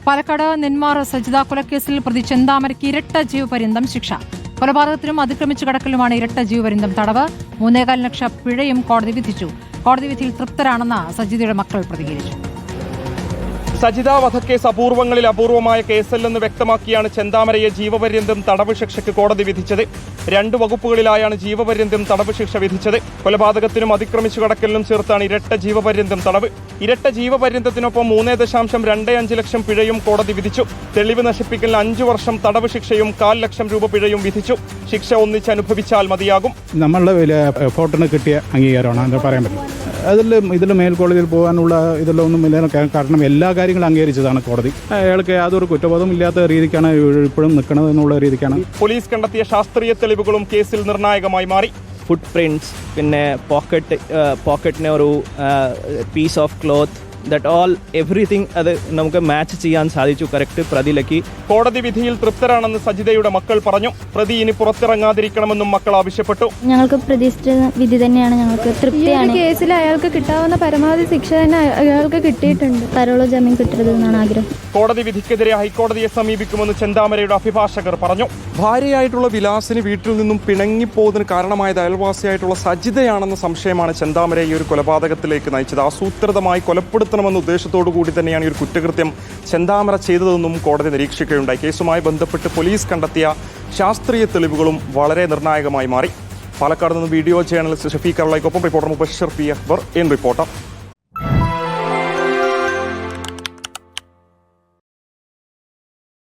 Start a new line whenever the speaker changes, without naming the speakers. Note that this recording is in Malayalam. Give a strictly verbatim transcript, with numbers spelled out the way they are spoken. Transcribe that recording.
പാലക്കാട് നെന്മാർ സജിത കൊലക്കേസിൽ പ്രതി ചെന്താമരയ്ക്ക് ഇരട്ട ജീവപര്യന്തം ശിക്ഷ. കൊലപാതകത്തിനും അതിക്രമിച്ചു കടക്കലുമാണ് ഇരട്ട ജീവപര്യന്തം തടവ്. മൂന്നേകാൽ ലക്ഷം പിഴയും കോടതി വിധിച്ചു. കോടതി വിധിയിൽ തൃപ്തരാണെന്ന് സജിതയുടെ മക്കൾ പ്രതികരിച്ചു.
സജിത വധക്കേസ് അപൂർവങ്ങളിൽ അപൂർവമായ കേസല്ലെന്ന് വ്യക്തമാക്കിയാണ് ചെന്താമരയെ ജീവപര്യന്തം തടവ് ശിക്ഷയ്ക്ക് കോടതി വിധിച്ചത്. രണ്ട് വകുപ്പുകളിലായാണ് ജീവപര്യന്തം തടവ് ശിക്ഷ വിധിച്ചത്. കൊലപാതകത്തിനും അതിക്രമിച്ചു കടക്കലിനും ചേർത്താണ് ഇരട്ട ജീവപര്യന്തം തടവ്. ഇരട്ട ജീവപര്യന്തത്തിനൊപ്പം മൂന്നേ ദശാംശം രണ്ട് അഞ്ച് ലക്ഷം പിഴയും കോടതി വിധിച്ചു. തെളിവ് നശിപ്പിക്കലിന് അഞ്ചു വർഷം തടവ് ശിക്ഷയും കാൽ ലക്ഷം രൂപ പിഴയും വിധിച്ചു. ശിക്ഷ ഒന്നിച്ച് അനുഭവിച്ചാൽ മതിയാകും.
നമ്മളുടെ വലിയ എഫോർട്ടിന് കിട്ടിയ അംഗീകാരമാണ് അത് പറയാൻ പറ്റും. അതിൽ ഇതിൽ മേൽക്കോടതിയിൽ പോകാനുള്ള ഇതിലൊന്നും ഇല്ല. കാരണം എല്ലാ കാര്യങ്ങളും അംഗീകരിച്ചതാണ് കോടതി. അയാൾക്ക് യാതൊരു കുറ്റബോധം ഇല്ലാത്ത രീതിക്കാണ് ഇപ്പോഴും നിൽക്കുന്നത് എന്നുള്ള രീതിക്കാണ്.
പോലീസ് കണ്ടെത്തിയ ശാസ്ത്രീയ തെളിവുകളും കേസിൽ നിർണായകമായി മാറി.
ഫുട് പ്രിന്റ്സ്, പിന്നെ പോക്കറ്റ് പോക്കറ്റിന് ഒരു piece of cloth, that all everything അത് നമുക്ക് മാച്ച് ചെയ്യാൻ സാധിച്ചു കറക്റ്റ് പ്രതിയിലേക്ക്.
കോടതി വിധിയിൽ തൃപ്തരാണെന്ന് സജിതയുടെ മക്കൾ പറഞ്ഞു. പ്രതി ഇനി പുറത്തിറങ്ങാതിരിക്കണമെന്നും മക്കൾ ആവശ്യപ്പെട്ടു.
ഞങ്ങൾക്ക് പ്രതീക്ഷിച്ച വിധി തന്നെയാണ്, ഞങ്ങൾക്ക് തൃപ്തിയാണ്.
കേസിൽ അയാൾക്ക് കിട്ടാവുന്ന പരമാവധി ശിക്ഷ തന്നെ അയാൾക്ക് കിട്ടിയിട്ടുണ്ട്. പരോളോ ജാമ്യം കിട്ടരുതെന്നാണ് ആഗ്രഹം.
കോടതി വിധിക്കെതിരെ ഹൈക്കോടതിയെ സമീപിക്കുമെന്ന് ചെന്താമരയുടെ അഭിഭാഷകർ പറഞ്ഞു.
ഭാര്യയായിട്ടുള്ള വിലാസിന് വീട്ടിൽ നിന്നും പിണങ്ങിപ്പോകുന്നതിന് കാരണമായത് അയൽവാസിയായിട്ടുള്ള സജിതയാണെന്ന സംശയമാണ് ചെന്താമരയെ ഈ ഒരു കൊലപാതകത്തിലേക്ക് നയിച്ചത്. ആസൂത്രിതമായി കൊലപ്പെടുത്തണമെന്ന ഉദ്ദേശത്തോടു കൂടി തന്നെയാണ് ഈ ഒരു കുറ്റകൃത്യം ചെന്താമര ചെയ്തതെന്നും കോടതി നിരീക്ഷിക്കുകയുണ്ടായി. കേസുമായി ബന്ധപ്പെട്ട് പോലീസ് കണ്ടെത്തിയ ശാസ്ത്രീയ തെളിവുകളും വളരെ നിർണായകമായി മാറി. പാലക്കാട് നിന്ന് വീഡിയോ ജേർണലിസ്റ്റ് ഷഫീഖ് അർളയ്ക്കൊപ്പം reporter Mubashir P Akbar in reporter.